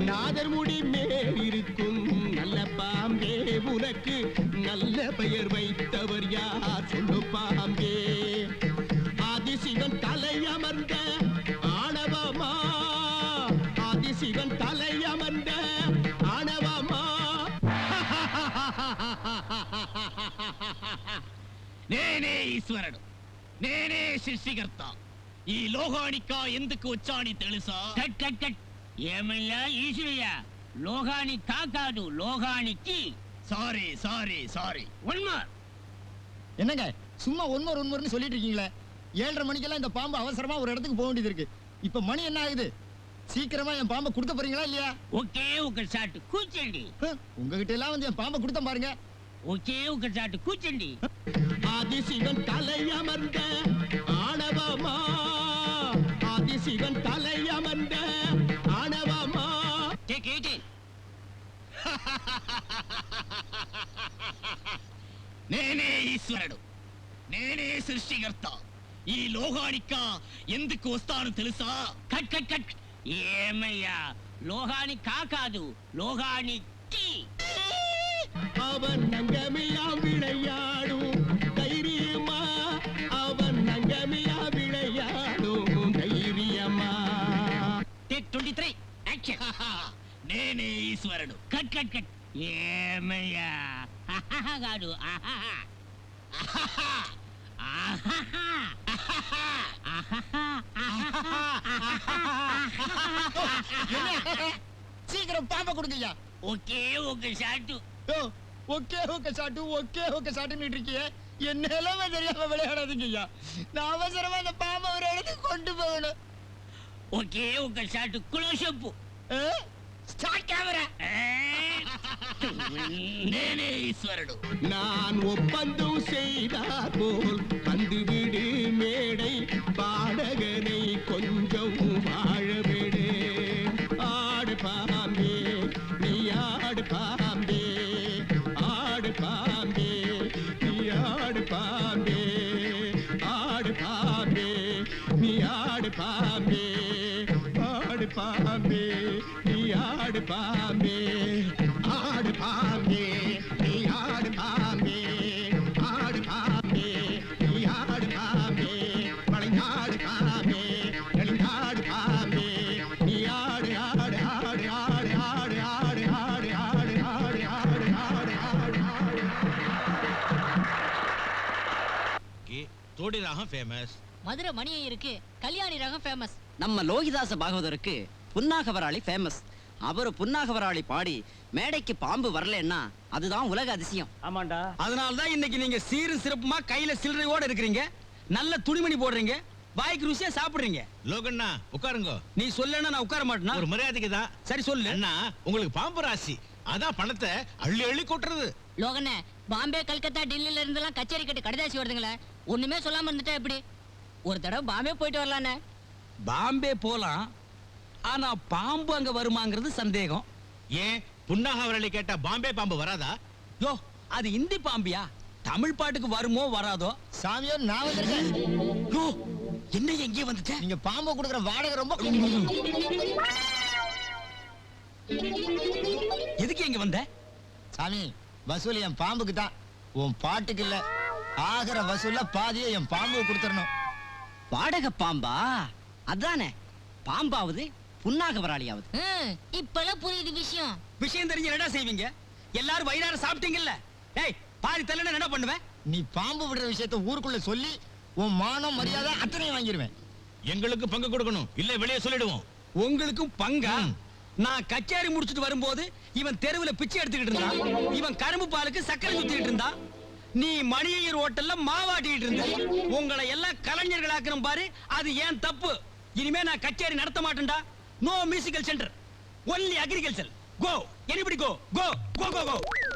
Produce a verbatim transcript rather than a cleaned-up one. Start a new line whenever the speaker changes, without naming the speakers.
நாதர் முடி மேல் இருக்கும் நல்ல பாம்பே உனக்கு நல்ல பெயர் வைத்தவர் யார் சொல்லு பாம்பே ஆதிசிவன் தலை அமர்ந்த ஆணவமா ஆதிசிவன் தலை அமர்ந்த ஆணவமா
నేనే ఈశ్వరుడు నేనే సృష్టికర్త ఈ లోకానికా ఎందుకు వచ్చాని తెలుసా కట్ కట్ కట్ ఏమయ్యా ఈశ్వరయ్య లోకానికా కాదు లోకానికి sorry sorry sorry one more
என்னங்க சும்மா ஒன்மோர் ஒன்மோர்னு சொல்லிட்டு இருக்கீங்களே ஏழரை மணிக்கெல்லாம் இந்த பாம்பு அவசரமா ஒரு இடத்துக்கு போக வேண்டியது இருக்கு இப்ப மணி என்ன ஆகுது சீக்கிரமா என் பாம்பை கொடுத்த போறீங்களா இல்லையா
ఒకే ఒక షాట్ కూర్చోండి
உங்ககிட்ட எல்லாம் வந்து என் பாம்பை கொடுத்த பாருங்க
ఒకే ఒక షాట్ కూర్చోండి
ஆதிசிவன் தலை அமர்ந்த ஆணவமா ஆதிசிவன் தலை அமர்ந்த ஆணவமா
டேக் எயிட் నేనే ఈశ్వరుడు నేనే సృష్టికర్త ఈ లోకానికా ఎందుకు వస్తాను తెలుసా కట్ కట్ కట్ ఏమయ్యా లోకానికా కాదు లోకానికి
அவன் நங்கமில்லா விளையாடும் தைரியமா அவன் நங்கமில்லா விளையாடும் தைரியமா
టేక్ ట్వంటీ త్రీ యాక్షన్ నేనే ఈశ్వరుడు కట్ కట్ కట్ ఏమయ్యా కాదు
சீக்கிரம் பாம்பை கொடுங்கய்யா
ఒకే ఒక shot
okay okay shot okay okay சாட்டுன்னு இருக்கியே என்ன எல்லாமே தெரியாம விளையாடாதீங்கய்யா நான் அவசரமா அந்த பாம்பை ஒரு இடத்துக்கு கொண்டு போகணும்
ఒకే ఒక షాట్ క్లోజప్
ஸ்டார்ட் கேமரா
నేనే ఈశ్వరుడు
நான் ஒப்பந்தம் செய்தார் போல் வந்துவிடு மேடை பாடகனை கொஞ்சம் வாழ விடு ஆடு பாம்பே நீ ஆடு பாம்பே ஆடு பாம்பே நீ ஆடு பாம்பே ஆடு பாம்பே நீ ஆடு பாம்பே ஆடு பாம்பே நீ ஆடு பாம்பே ஆடு பாம்பே நீ ஆடு பாம்பே ஆடு பாம்பே நீ ஆடு பாம்பே வளைநாடு பாம்பே நெடுங்காடு பாம்பே நீ ஆடு ஆடு ஆடு ஆடு ஆடு ஆடு ஆடு ஆடு ஆடு ஆடு ஆடு ஆடு ஆடு
தோடி ராகம் ஃபேமஸ்
மதுரை மணியருக்கு கல்யாணி ரகம் ஃபேமஸ்
நம்ம லோகிதாச பாகவதருக்கு புன்னாகவராளி ஃபேமஸ் அவரு புன்னாகவராளி பாடி மேடைக்கு பாம்பு வரலன்னா அதுதான் உலக அதிசயம்
ஆமாண்டா
அதனாலதான் இன்னைக்கு நீங்க சீரும் சிறப்புமா கையில சில்லறையோட இருக்கிறீங்க நல்ல துணிமணி போடுறீங்க வாய்க்கு ருசியா சாப்பிடுறீங்க
லோகண்ணா உட்காருங்க
நீ சொல்லனா நான் உட்கார மாட்டேனா
ஒரு மரியாதைக்கு தான்
சரி சொல்லு
அண்ணா உங்களுக்கு பாம்பு ராசி அதான் பணத்தை அள்ளி அள்ளி கொட்டுறது
லோகண்ணே பாம்பே கல்கத்தா டெல்லியில இருந்தெல்லாம் கச்சேரி கட்டு கடிதாசி வருதுங்களே ஒண்ணுமே சொல்லாம இருந்துட்டா எப்படி ஒரு தடவை பாம்பே போயிட்டு வரலானே
பாம்பே போலாம் ஆனா பாம்பு அங்க வருமாங்கிறது சந்தேகம்
ஏன் புன்னாகவரளி கேட்டா பாம்பே பாம்பு வராதா
யோ அது இந்தி பாம்பியா தமிழ் பாட்டுக்கு வருமோ வராதோ
சாமியோ நான் வந்திருக்கேன்
யோ என்ன எங்கே வந்துட்டேன்
நீங்க பாம்பை கொடுக்குற வாடகை ரொம்ப
எதுக்கு எங்க வந்த
சாமி வசூல் என் பாம்புக்கு தான் உன் பாட்டுக்கு இல்ல ஆகிற வசூல்ல பாதியை என் பாம்பு கொடுத்துடணும்
வாடகை பாம்பா அதானே பாம்பாவது புன்னாகவராளியாவது
இப்பெல்லாம் புரியுது விஷயம்
விஷயம் தெரிஞ்சு என்னடா செய்வீங்க எல்லாரும் வயிறார சாப்பிட்டீங்கல்ல டேய் பாதி தள்ளன என்ன பண்ணுவேன்
நீ பாம்பு விடுற விஷயத்தை ஊருக்குள்ள சொல்லி உன் மானம் மரியாதை அத்தனையும் வாங்கிடுவேன்
எங்களுக்கு பங்கு கொடுக்கணும் இல்ல வெளியே சொல்லிடுவோம்
உங்களுக்கும் பங்கா நான் கச்சேரி முடிச்சிட்டு வரும்போது இவன் தெருவுல பிச்சை எடுத்துக்கிட்டு இருந்தான் இவன் கரும்பு பாலுக்கு சக்கரை சுத்திட்டு இருந்தான் நீ மணியர் ஹோட்டல்ல மாவாட்டிட்டு இருந்த உங்களை எல்லாம் கலைஞர்களாக்கணும் பாரு அது ஏன் தப்பு இனிமே நான் கச்சேரி நடத்த மாட்டேன்டா no musical centre only agriculture go anybody go go go go கோ